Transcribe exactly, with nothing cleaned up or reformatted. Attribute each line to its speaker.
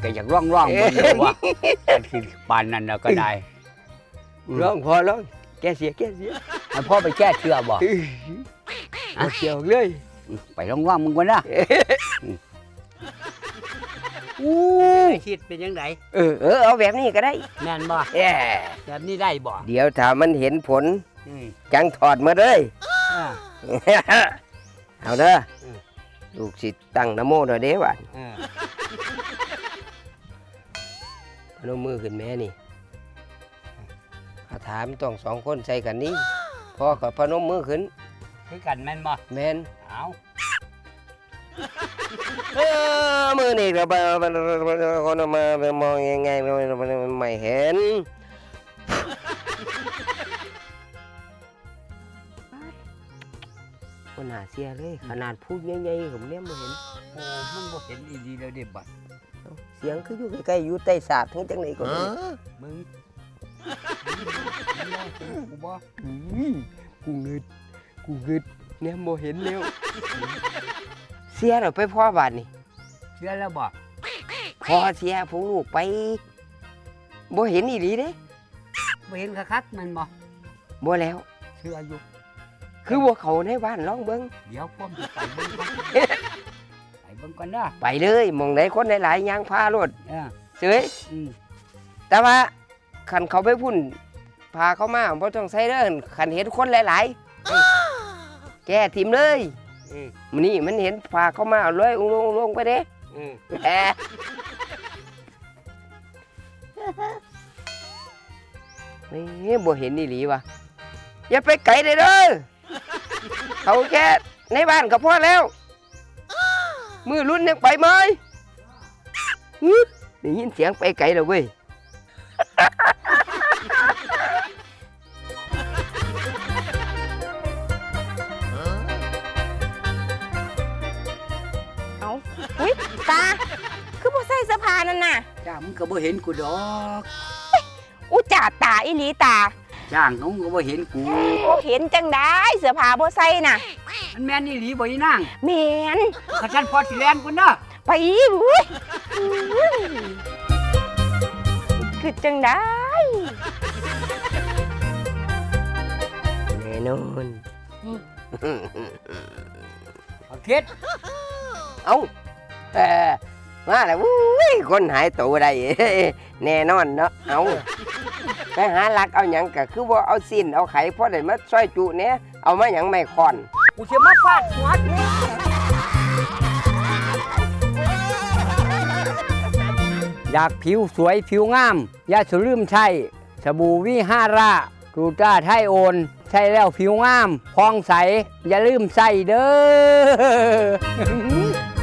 Speaker 1: ก็อยากร้องร้องบนเลยว่ามันคือปานนั้นก็ได้
Speaker 2: ร้องพอร้องแกเสียแกเสีย
Speaker 1: ให้พ่อไปแก้เชื่อบ่
Speaker 2: เอาเกี่ยวเลย
Speaker 1: ไปร้องร้องมึงก่อนนะอู้คิดเป็นยังไง
Speaker 2: เออเออเอาแบบนี้ก็ได้
Speaker 1: แม่นบ่
Speaker 2: แย่
Speaker 1: แบบนี้ได้บ่
Speaker 2: เดี๋ยวถ้ามันเห็นผล
Speaker 1: อืม
Speaker 2: จังถอดมาเลย
Speaker 1: อ่า
Speaker 2: เอาเด้อ
Speaker 1: อืม
Speaker 2: ลูกศิษย์ตั้งนะโมหน่อยเด้อว่ะ
Speaker 1: อ่า
Speaker 2: พนมมือขึ้นแม่นี่อาถามต้องสองคนใส่กันนี้พอกับพนมมือขึ้น
Speaker 1: คือกันแม่นบ่
Speaker 2: แม่น
Speaker 1: เอา
Speaker 2: เออมือนี่เราไปคนมามองยังไงไม่เห็นมันหาเสียเลยขนาดพูดใหญ่ๆผมเนี่ยไม่เห็น
Speaker 1: โอ้มันบ่เห็นอีดีแล้วเด้บัด
Speaker 2: เสียงคืออยู่ใกล้ๆอยู่ใต้ศาสตร์ทั้งจังไหนก่อน
Speaker 1: มึงกูบ่
Speaker 2: กูเงึดกูเงึดเนี่ยโมเห็นแล้วเสียเราไปพ่อบาทนี่
Speaker 1: เชื่อแล้วบ่
Speaker 2: พอเสียผู้ลูกไปบ่เห็นอีหลีเด้
Speaker 1: บ่เห็นคักๆมันบ่
Speaker 2: บ่แล้ว
Speaker 1: เชื่ออยู่
Speaker 2: คือบ่เขาในบ้านลองเบิ่ง
Speaker 1: เดี๋ยวพ่อมจะไปเบิ่งก่อนไปเบิ่งก่อนนะ
Speaker 2: ไปเลยมองไหนคนหลายๆยางพารถ
Speaker 1: เออ
Speaker 2: เสย
Speaker 1: อืม
Speaker 2: แต่ว่าคันเขาไปพุ่นพาเขามาบ่ต้องใส่เด้อคันเห็นคนหลายๆแกทิมเลย
Speaker 1: อืม
Speaker 2: มื้อนี้มันเห็นพาเขามาเอาเลยอุ้งลงไปเด้
Speaker 1: อืม
Speaker 2: แหมนี่บ่เห็นอีหลีวะอย่าไปไกลเลยเด้อเขาแค่ในบ้านก็พอแล้ว มือรุ่นยังไปไหมฮึได้ยินเสียงไปไกลแล้วเว้ย
Speaker 3: เอาอุ้ยตา คือบ่ใส่เสื้อผ้านั่นน่ะ
Speaker 1: จ้างมึงก็บ่เห็นกูดอก
Speaker 3: อุจ่าตาอีหลีตา
Speaker 1: จ้างเขาก็บ่เห็นกู
Speaker 3: บ่เห็นจังได้เสื้อผ้าบ่ใส่น่ะ
Speaker 1: มันแม่นอีหลีบ่อีนาง
Speaker 3: แม่น
Speaker 1: ข้าฉันพอสิแล่นกูเด้อ
Speaker 3: ไปอุ้ยอุ้ยคือจังได้
Speaker 2: แน่นอน
Speaker 1: เอาคิด
Speaker 2: เอ้าเออมาแล้วอุ้ยคนหายตัวได้ แน่นอนเนาะเอาไปหาลักเอาหยังก็คือว่าเอาสิ้นเอาไข่พอได้มาซอยจุเนี่ยเอามาหยังไม่คอน
Speaker 1: กูสิมาฟาดหัวกูอยากผิวสวยผิวงามอย่าสลืมใช่สบู่วิหารากรูต้าไทโอนใช่แล้วผิวงามพองใส อย่าลืมใส่เด้อ